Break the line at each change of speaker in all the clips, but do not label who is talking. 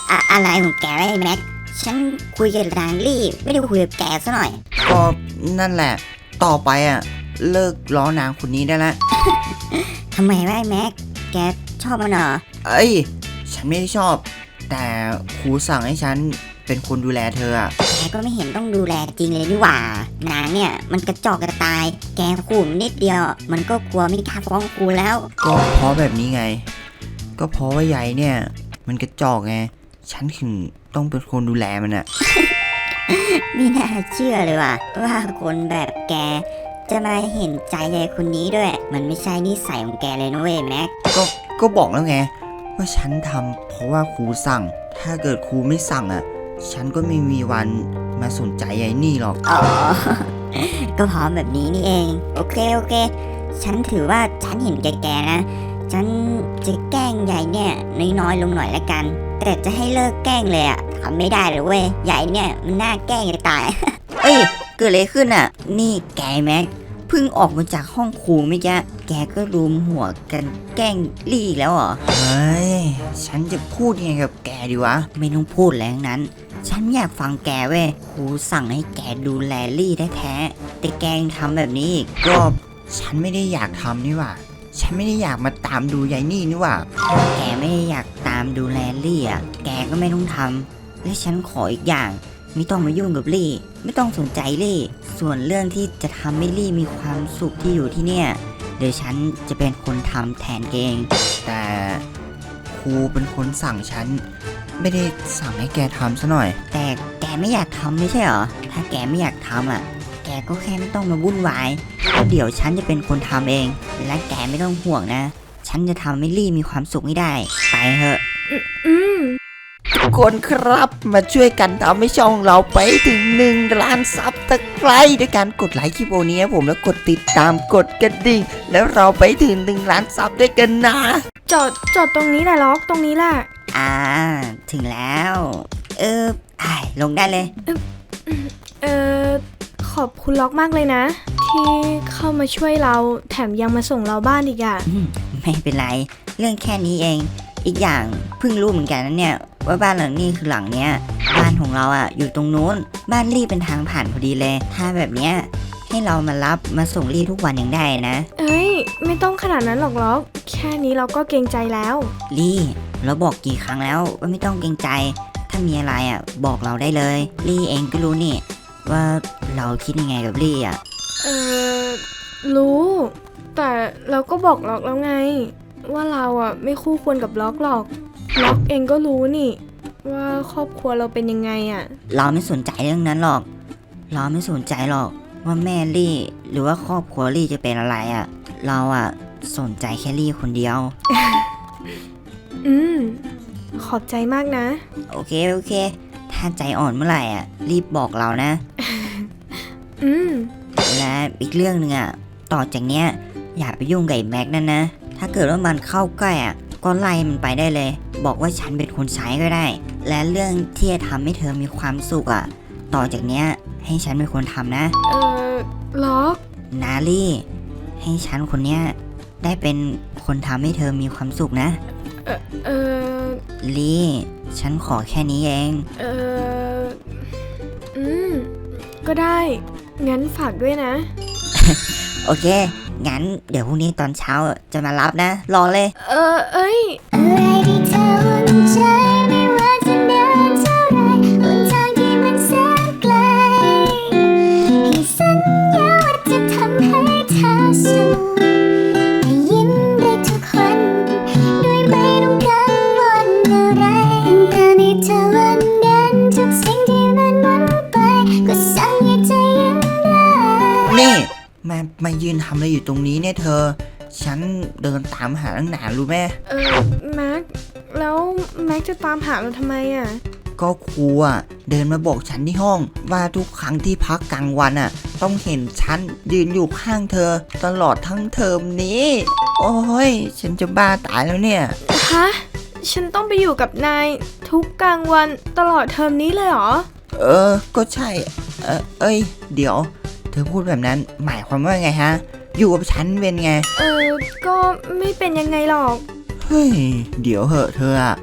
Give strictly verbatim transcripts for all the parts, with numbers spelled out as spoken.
อะอะไรของแกไอ้แม็กฉันคุยกับนางลี่ไม่ได้คุยกับแกซะหน่อย
ก็นั่นแหละต่อไปอ่ะเลิกล้อนางคนนี้ได้แล้ว
ทำไมวะไอ้แม็กแกชอบมันเหรอ
เอ้ยฉันไม่ได้ชอบแต่ครูสั่งให้ฉันเป็นคนดูแลเธออ่ะ
แกก็ไม่เห็นต้องดูแลจริงเลยนี่หว่านางเนี่ยมันกระจอกกระตายแกขู่นิดเดียวมันก็กลัวไม่กล้าฟ้องครูแล้ว
ก็เพราะแบบนี้ไงก็เพราะว่าใหญ่เนี่ยมันกระจอกไงฉันถึงต้องเป็นคนดูแลมันอ่ะ
ไม่น่าเชื่อเลยว่ะว่าคนแบบแกจะมาเห็นใจยายคนนี้ด้วยมันไม่ใช่นิสัยของแกเลยนะเว้ยแม็ก
ก็ก็บอกแล้วไงว่าฉันทำเพราะว่าครูสั่งถ้าเกิดครูไม่สั่งอ่ะฉันก็ไม่มีวันมาสนใจยายนี่หรอก
อ๋อ ก็พร้อมแบบนี้นี่เองโอเคโอเคฉันถือว่าฉันเห็นแกๆนะฉันจะแกล้งยายเนี่ยน้อยๆลงหน่อยละกันแต่จะให้เลิกแกล้งเลยอ่ะทำไม่ได้เลยเว้ยยายเนี่ยมันน่าแกล้งจะตาย เอ้ยเกิดอะไรขึ้นอ่ะนี่แกแม็กเพิ่งออกมาจากห้องครูเมื่อกี้แกก็รวมหัวกันแกล้งลี่อีกแล้วเหรอ
เฮ้ยฉันจะพูดยังไงกับแกดีวะ
ไม่ต้องพูดแล้วนั้นฉันอยากฟังแกเว้ยครูสั่งให้แกดูแลลี่ได้แท้แต่แกยังทำแบบนี้อีก
ก็ฉันไม่ได้อยากทำนี่หว่าฉันไม่ได้อยากมาตามดูยายนี่นี่หว่า
แกไม่ได้อยากตามดูแลลี่อ่ะแกก็ไม่ต้องทำและฉันขออีกอย่างไม่ต้องมายุ่งกับลี่ไม่ต้องสนใจลี่ส่วนเรื่องที่จะทำให้ลี่มีความสุขที่อยู่ที่เนี่ยเดี๋ยวฉันจะเป็นคนทำแทนเอง
แต่ครูเป็นคนสั่งฉันไม่ได้สั่งให้แกทำซะหน่อย
แต่แกไม่อยากทำไม่ใช่เหรอถ้าแกไม่อยากทำอ่ะแกก็แค่ไม่ต้องมาวุ่นวายแล้วเดี๋ยวฉันจะเป็นคนทำเองและแกไม่ต้องห่วงนะฉันจะทำให้ลี่มีความสุขให้ได้ไปเถอะ
อืมทุกคนครับมาช่วยกันทำให้ช่องเราไปถึงหนึ่งล้านซับตะไคร้ด้วยการกดไลค์คลิปโอนี้ผมแล้วกดติดตามกดกระดิ่งแล้วเราไปถึงหนึ่งล้านซับด้วยกันนะ
จอดจอดตรงนี้แหละล็อกตรงนี้แหละ
อ่าถึงแล้วเออไอ้ลงได้เลย
เออขอบคุณล็อกมากเลยนะที่เข้ามาช่วยเราแถมยังมาส่งเราบ้านอีกอ่ะ
ไม่เป็นไรเรื่องแค่นี้เองอีกอย่างเพิ่งรู้เหมือนกันนะเนี่ยว่าบ้านหลังนี้คือหลังเนี้ยบ้านของเราอ่ะอยู่ตรงนู้นบ้านลี่เป็นทางผ่านพอดีเลยถ้าแบบเนี้ยให้เรามารับมาส่งลี่ทุกวันยังได้นะ
เอ้ยไม่ต้องขนาดนั้นหรอกล็อกแค่นี้เราก็เกรงใจแล้ว
ลี่เราบอกกี่ครั้งแล้วว่าไม่ต้องเกรงใจถ้ามีอะไรอ่ะบอกเราได้เลยลี่เองก็รู้นี่ว่าเราคิดยังไงกับลี่อ่ะ
เออรู้แต่เราก็บอกล็อกแล้วไงว่าเราอ่ะไม่คู่ควรกับล็อกหรอกล็อกเองก็รู้นี่ว่าครอบครัวเราเป็นยังไงอ่ะ
เราไม่สนใจเรื่องนั้นหรอกเราไม่สนใจหรอกว่าแม่ลี่หรือว่าครอบครัวลี่จะเป็นอะไรอ่ะเราอ่ะสนใจแค่ลี่คนเดียว
อืมขอบใจมากนะ
โอเคโอเคถ้าใจอ่อนเมื่อไหร่อ่ะรีบบอกเรานะ
อืม
และอีกเรื่องนึงอ่ะต่อจากเนี้ยอย่าไปยุ่งกับไอ้แม็กนั่นนะถ้าเกิดว่ามันเข้าใกล้อ่ะก็ไล่มันไปได้เลยบอกว่าฉันเป็นคนใช้ก็ได้และเรื่องที่จะทำให้เธอมีความสุขอ่ะต่อจากเนี้ยให้ฉันเป็นคนทำนะ
เออล็อก
นาลี่ให้ฉันคนเนี้ยได้เป็นคนทำให้เธอมีความสุขนะ
เออเออ
ลี่ฉันขอแค่นี้เอง
เอออืมก็ได้งั้นฝากด้วยนะ
โอเคงั้นเดี๋ยวพรุ่งนี้ตอนเช้าจะมารับนะรอเลย
เออเอ้ย
อะไรที่เธออุ่นใจไม่ว่าจะนานเท่าไรหนทางที่มันแสนไกลให้สัญญาว่าจะทำให้เธอสุขให้ยิ้มได้ทุกวันโดยไม่ต้องกังวลอะไรตอนที่เธอวันนั้นทุกสิ่งที่มันหมดไปก็สั่งให้ใจยิ้มได้
นี่มามายืนทำอะไรอยู่ตรงนี้เนี่ยเธอฉันเดินตามหาตั้งนานรู้ไหม
เออแม็กแล้วแม็กจะตามหาเราทำไมอ่ะ
ก็ครูอ่ะเดินมาบอกฉันที่ห้องว่าทุกครั้งที่พักกลางวันอ่ะต้องเห็นฉันยืนอยู่ข้างเธอตลอดทั้งเทอมนี้โอ้ยฉันจะบ้าตายแล้วเนี่ย
ฮะฉันต้องไปอยู่กับนายทุกกลางวันตลอดเทอมนี้เลยเหรอ
เออก็ใช่เออเอ้ยเดี๋ยวเธอพูดแบบนั้นหมายความว่าไงฮะอยู่กับฉันเป็นไง
เออก็ไม่เป็นยังไงหรอก
เฮ้ยเดี๋ยวเหอะเธออะ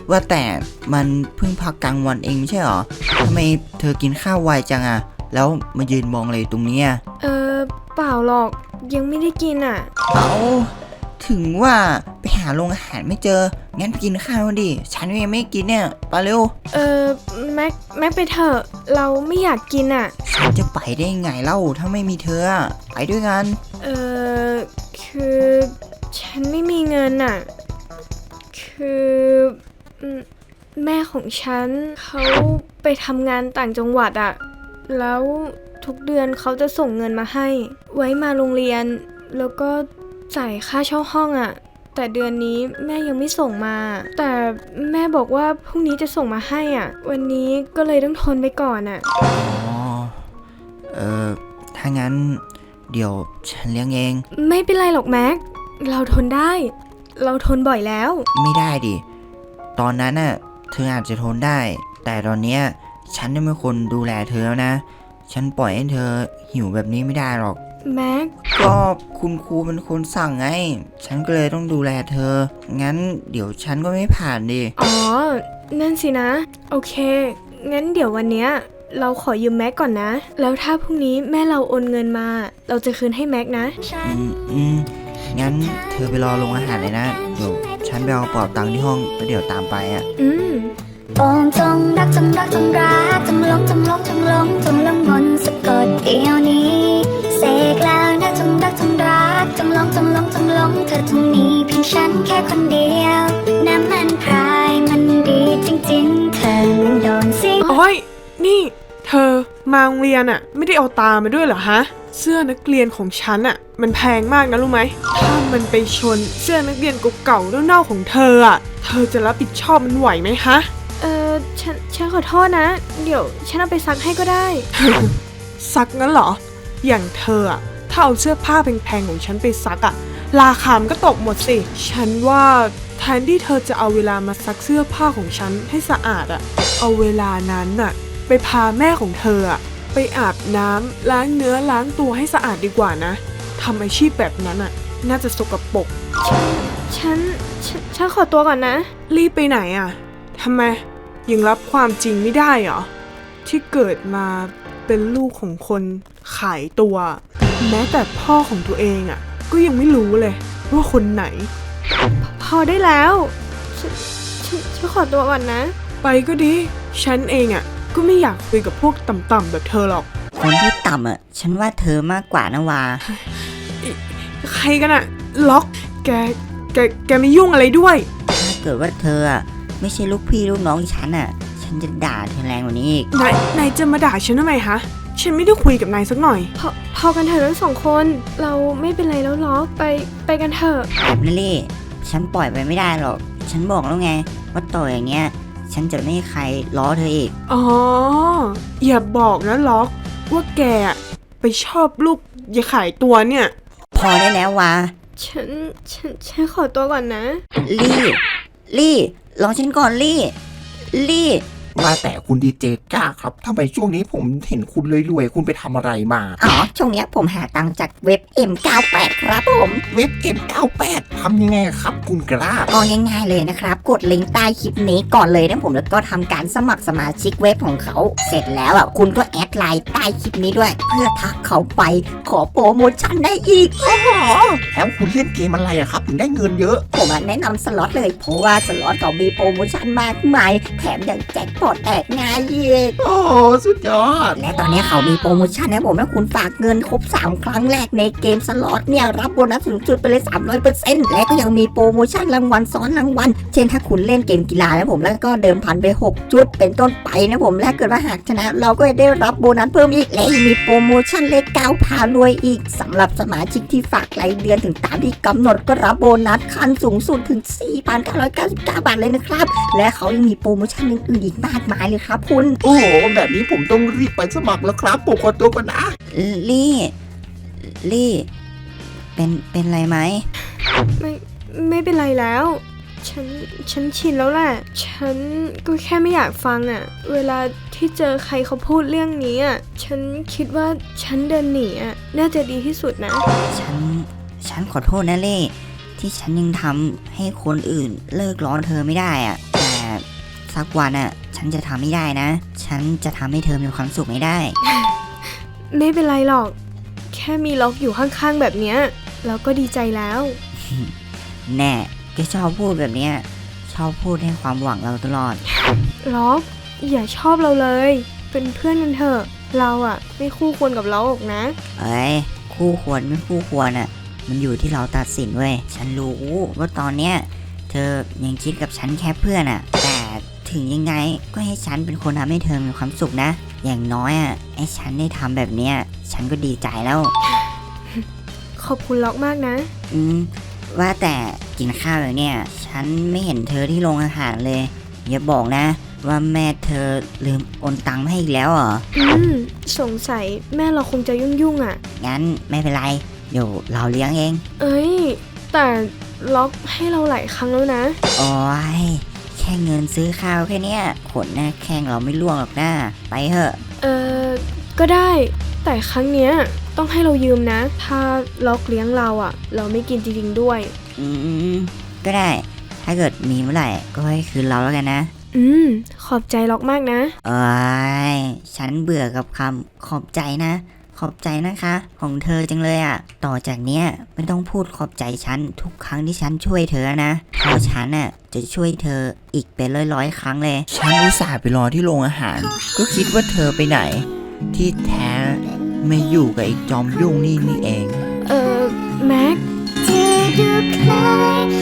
ว่าแต่มันเพิ่งพักกลางวันเองไม่ใช่หรอทำไมเธอกินข้าวไวจังอะแล้วมายืนมองอะไรตรงเนี้ย
เออเปล่าหรอกยังไม่ได้กินอ่ะ
เอาถึงว่าไปหาโรงอาหารไม่เจองั้นไปกินข้าวกันดิฉันยังไม่กินเนี่ยไปเร็ว
เออแม็กแม็กไปเถอะเราไม่อยากกินอ่ะ
ฉันจะไปได้ไงเล่าถ้าไม่มีเธออะไปด้วยกัน
เออคือฉันไม่มีเงินอ่ะ คืออืมแม่ของฉันเขาไปทำงานต่างจังหวัดอ่ะ แล้วทุกเดือนเขาจะส่งเงินมาให้ ไว้มาโรงเรียน แล้วก็จ่ายค่าเช่าห้องอ่ะ แต่เดือนนี้แม่ยังไม่ส่งมา แต่แม่บอกว่าพรุ่งนี้จะส่งมาให้อ่ะ วันนี้ก็เลยต้องทนไปก่อนอ่ะ
อ๋อเออถ้างั้นเดี๋ยวฉันเลี้ยงเอง
ไม่เป็นไรหรอกแม็ก เราทนได้ เราทนบ่อยแล้ว
ไม่ได้ดิตอนนั้นน่ะเธออาจจะทนได้ แต่ตอนเนี้ยฉันได้เป็นคนดูแลเธอแล้วนะ ฉันปล่อยให้เธอหิวแบบนี้ไม่ได้หรอก
แม็ก
ก็คุณครูเป็นคนสั่งไง ฉันก็เลยต้องดูแลเธอ งั้นเดี๋ยวฉันก็ไม่ผ่านดิ
อ๋อ นั่นสินะ โอเค งั้นเดี๋ยววันเนี้ยเราขอยืมแม็กก่อนนะ แล้วถ้าพรุ่งนี้แม่เราโอนเงินมา เราจะคืนให้แม็กนะ
อืมอืมงั้นเธอไปรอโรงอาหารเลยนะ เดี๋ยวฉันไปเอากระเป๋าตังค์ที่ห้องแล้วเดี๋ยวตามไปอ่ะ
อืม
โองจงรักจงรักจงรักจงหลงจงหลงจงหลงจงหลงมนต์สะกดเดียวนี้เสกแล้วนะจงรักจงรักจงหลงจงหลงจงหลงเธอจงมีเพียงฉันแค่คนเดียวน้ำมันพรายมันดีจริงๆเธอมันโดนสิง
โอ้ยนี่เธอมาโรงเรียนอะไม่ได้เอาตามาด้วยเหรอฮะ เสื้อนักเรียนของฉันอะมันแพงมากนะรู้ไหม ถ้ามันไปชนเสื้อนักเรียนเก่าๆเน่าๆของเธออะเธอจะรับผิดชอบมันไหวไหมฮะ
เออฉัน ฉันขอโทษนะ เดี๋ยวฉันเอาไปซักให้ก็ได้
ซักงั้นเหรอ อย่างเธออะถ้าเอาเสื้อผ้าแพงๆของฉันไปซักอะราคามันก็ตกหมดสิ ฉันว่าแทนที่เธอจะเอาเวลามาซักเสื้อผ้าของฉันให้สะอาดอะเอาเวลานั้นน่ะไปพาแม่ของเธออะไปอาบน้ำล้างเนื้อล้างตัวให้สะอาดดีกว่านะทำอาชีพแบบนั้นอะน่าจะสกปรก
ฉัน ฉัน ฉันขอตัวก่อนนะ
รีบไปไหนอะทำไมยังรับความจริงไม่ได้เหรอที่เกิดมาเป็นลูกของคนขายตัว แม้แต่พ่อของตัวเองอะก็ยังไม่รู้เลยว่าคนไหน
พอได้แล้ว ฉัน ฉัน ฉันขอตัวก่อนนะ
ไปก็ดี ฉันเองอะก็ไม่อยากคุยกับพวกต่ำๆแบบเธอหรอก
คนที่ต่ำอ่ะ ฉันว่าเธอมากกว่านะวา
ใครกันอะล็อก แก แก แกไม่ยุ่งอะไรด้วย
ถ้าเกิดว่าเธออ่ะไม่ใช่ลูกพี่ลูกน้องฉันอ่ะ ฉันจะด่าเธอแรงกว่านี้อีก
นาย นายจะมาด่าฉันทำไมฮะ ฉันไม่ได้คุยกับนายสักหน่อย
พอ พอกันเถอะทั้งสองคน เราไม่เป็นไรแล้วหรอกไป ไปกันเถอะ
แบบนั้นลี่ฉันปล่อยไปไม่ได้หรอก ฉันบอกแล้วไง ว่าต่ออย่างเงี้ย ฉันจะไม่ให้ใครล้อเธออีก
อ๋อ อย่าบอกนะล็อก ว่าแกอะไปชอบลูกอย่าขายตัวเนี่ย
พอได้แล้ววา
ฉัน ฉัน ฉันขอตัวก่อนนะ
ลี่ ลี่รอฉันก่อนลี่ ลี่
ว่าแต่คุณดีเจก้าครับทำไมช่วงนี้ผมเห็นคุณรวยๆคุณไปทำอะไรมา
อ๋อ ช่วงเนี้ยผมหาตังค์จากเว็บ เอ็ม เก้าแปด ครับผม
เว็บ เอ็ม เก้าแปด ทำยังไงครับคุณกล้า
ก็ง่ายๆเลยนะครับ กดลิงก์ใต้คลิปนี้ก่อนเลยนะผมแล้วก็ทำการสมัครสมาชิกเว็บของเขา เสร็จแล้วอ่ะคุณก็แอดไลน์ใต้คลิปนี้ด้วย เพื่อทักเขาไปขอโปรโมชั่นได้อีก โอ้โห
แล้วคุณเล่นเกมอะไรอะครับถึงได้เงินเยอะ
ผมอะแนะนำสล็อตเลย เพราะว่าสล็อตเขามีโปรโมชั่นมากมาย แถมยังแจ็คพอตแตกง่ายอีก
โอ้โหสุดยอด
และตอนนี้เขามีโปรโมชั่นนะผมถ้าคุณฝากเงินครบสามครั้งแรกในเกมสล็อตเนี่ยรับโบนัสสูงสุดไปเลย สามร้อยเปอร์เซ็นต์ และก็ยังมีโปรโมชั่นรางวัลซ้อนรางวัล เช่นถ้าคุณเล่นเกมกีฬานะผมแล้วก็เดิมพันไปหกจุดเป็นต้นไปนะผมและเกิดว่าหากชนะ เราก็จะได้รับโบนัสเพิ่มอีกและยังมีโปรโมชั่นเลขเก้าพารวยอีกสำหรับสมาชิกที่ฝากรายเดือนถึงตามที่กำหนดก็รับโบนัสขั้นสูงสุดถึง สี่พันเก้าร้อยเก้าสิบเก้า บาทเลยนะครับและเขายังมีโปรโมชั่นอื่นๆอีกมากมายเลยครับคุณ
โอ้โหแบบนี้ผมต้องรีบไปสมัครแล้วครับผมขอตัวก่อนนะ
ลี่ ลี่ เป็น เป็นไรไหม
ไม่ ไม่เป็นไรแล้ว ฉัน ฉันชินแล้วแหละ ฉันก็แค่ไม่อยากฟังอะเวลาที่เจอใครเขาพูดเรื่องนี้อะฉันคิดว่าฉันเดินหนีอะน่าจะดีที่สุดนะ
ฉัน ฉันขอโทษนะเล่ที่ฉันยังทำให้คนอื่นเลิกร้อนเธอไม่ได้อะแต่สักวันอ่ะฉันจะทำไม่ได้นะ ฉันจะทำให้เธอมีความสุขไม่ได้
ไม่เป็นไรหรอก แค่มีล็อกอยู่ข้างๆแบบเนี้ยเราก็ดีใจแล้ว
แน่แกชอบพูดแบบเนี้ยชอบพูดให้ความหวังเราตลอด
ล็อกอย่าชอบเราเลย เป็นเพื่อนกันเถอะ เราอะไม่คู่ควรกับล็อกหรอกนะ
เอ้ยคู่ควรไม่คู่ควรอ่ะมันอยู่ที่เราตัดสินเว้ยฉันรู้ว่าตอนเนี้ยเธอยังคิดกับฉันแค่เพื่อนอ่ะแต่ถึงยังไงก็ให้ฉันเป็นคนทำให้เธอมีความสุขนะ อย่างน้อยอ่ะไอ้ฉันได้ทำแบบเนี้ยฉันก็ดีใจแล้ว
ขอบคุณล็อกมากนะ
อืมว่าแต่กินข้าวแบบเนี้ยฉันไม่เห็นเธอที่โรงอาหารเลยอย่าบอกนะว่าแม่เธอลืมโอนตังค์มาให้อีกแล้วเหรอ
อืมสงสัยแม่เราคงจะยุ่งๆอะ
งั้นไม่เป็นไรเดี๋ยวเราเลี้ยงเอง
เอ้ย แต่ล็อกให้เราหลายครั้งแล้วนะ
โอ้ยแค่เงินซื้อข้าวแค่เนี้ยขนหน้าแข้งเราไม่ล่วงหรอกนะไปเถอะ
เออก็ได้ แต่ครั้งเนี้ยต้องให้เรายืมนะ ถ้าล็อกเลี้ยงเราอะเราไม่กินจริงๆด้วย
อืมก็ได้ ถ้าเกิดมีเมื่อไหร่ก็ให้คืนเราแล้วกันนะ
อืม ขอบใจล็อกมากนะ
เอ้ยฉันเบื่อกับคำขอบใจนะ ขอบใจนะคะ ของเธอจังเลยอะ่ะ ต่อจากเนี้ยไม่ต้องพูดขอบใจฉันทุกครั้งที่ฉันช่วยเธอนะเพราะฉันน่ะจะช่วยเธออีกเป็นร้อยๆครั้งเลย
ฉันอุตส่าห์ไปรอที่โรงอาหาร ก็คิดว่าเธอไปไหน ที่แท้ไม่อยู่กับไอ้จอมยุ่งนี่นี่เอง
เออแม็ก
เธอดูคล้าย